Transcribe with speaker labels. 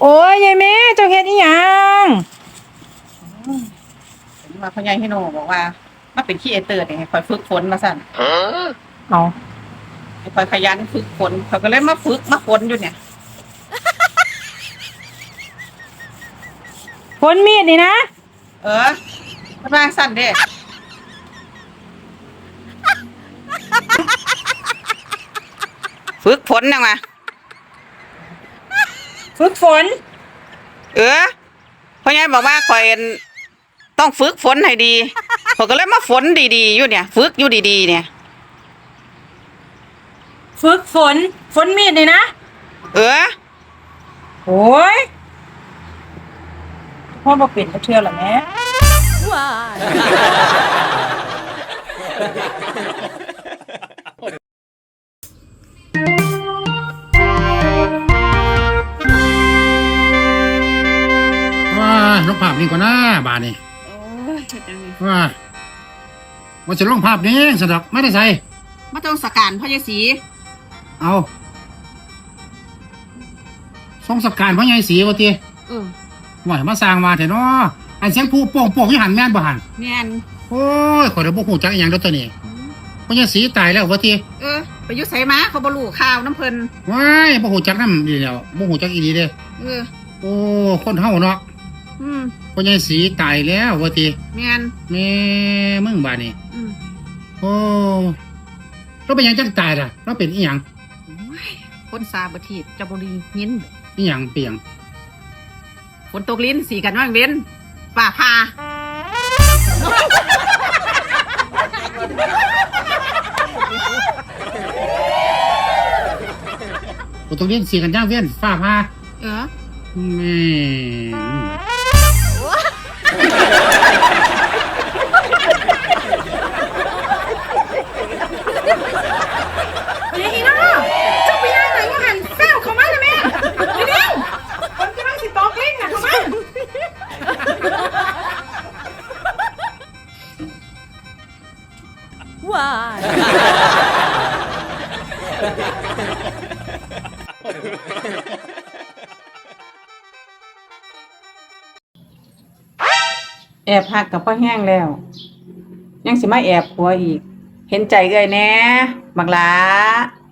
Speaker 1: โอ้ยยายแม่เจ้าเฮ็ดอีหยัง
Speaker 2: เห็นว่าพ่อใหญ่ให้โนบอกว่ามาเป็นขี้เอเตอร์เนี่ยให้คอยฝึกฝนมาสั่น
Speaker 1: เอา
Speaker 2: ให้คอยขยันฝึกฝนเขาก็เลยมาฝึกมาฝนอยู่เนี่ย
Speaker 1: ฝนมีดนี่นะ
Speaker 2: มันวางสั่นเด้ฝึกฝนยังไง
Speaker 1: ฝึกฝน
Speaker 2: พ่อใหญ่บอกว่าคอยต้องฝึกฝนให้ดีเขาก็เลยมาฝนดีๆอยู่เนี่ยฝึกอยู่ดีๆเนี่ย
Speaker 1: ฝึกฝนมีดนี่นะโอ้ยพ่อบ่เป็นก็เชื่อหรอแม่ว้า
Speaker 3: ลงภาพนี้ก่อนนะบาทนี่ว่าจะลงภาพนี้สะดอกไม่ได้ใส่
Speaker 2: มาต้องสการพ่อใหญ่ศรี
Speaker 3: เอาทรงสการพ่อใหญ่ศรีว่าตีว่ามาสร้างมาเถอะเนาะอันเสียงผู้โป่งยี่หันแม่นบ่หัน
Speaker 2: แม่น
Speaker 3: โอ้ยขอเดี๋ยวบ่ฮู้จักอีหยังดอกตัวนี้พ่อใหญ่ศรีตายแล้วว่าตี
Speaker 2: ไปอยู่ไสมาเขาบ่รู้ข่าวน้ำเพิ่น
Speaker 3: ว้ายบ่ฮู้จักนำดีแล้วบ่ฮู้จักอีหลีเด้โอ้คนเฮาเนาะพ่อใหญ่ศรีตายแล้วว่าตี
Speaker 2: แม่น
Speaker 3: แม่มึงบาดนี้โอ้เราเป็นหยังจังตายล่ะเราเป็นอีหยัง
Speaker 2: คนซาบทีจะบ่ดียิน
Speaker 3: อีหยังเปียง
Speaker 2: ฝนตกลิ้นสีกันว่างเว้นป่าพา
Speaker 3: ตรงนี้สีกันย่างเวียนฟ้าพาแม่
Speaker 1: ว้า
Speaker 2: แอบหักกับพ่อแห้งแล้วยังสิมาแอบผัวอีกเห็นใจเอ้ยแน่บักหลา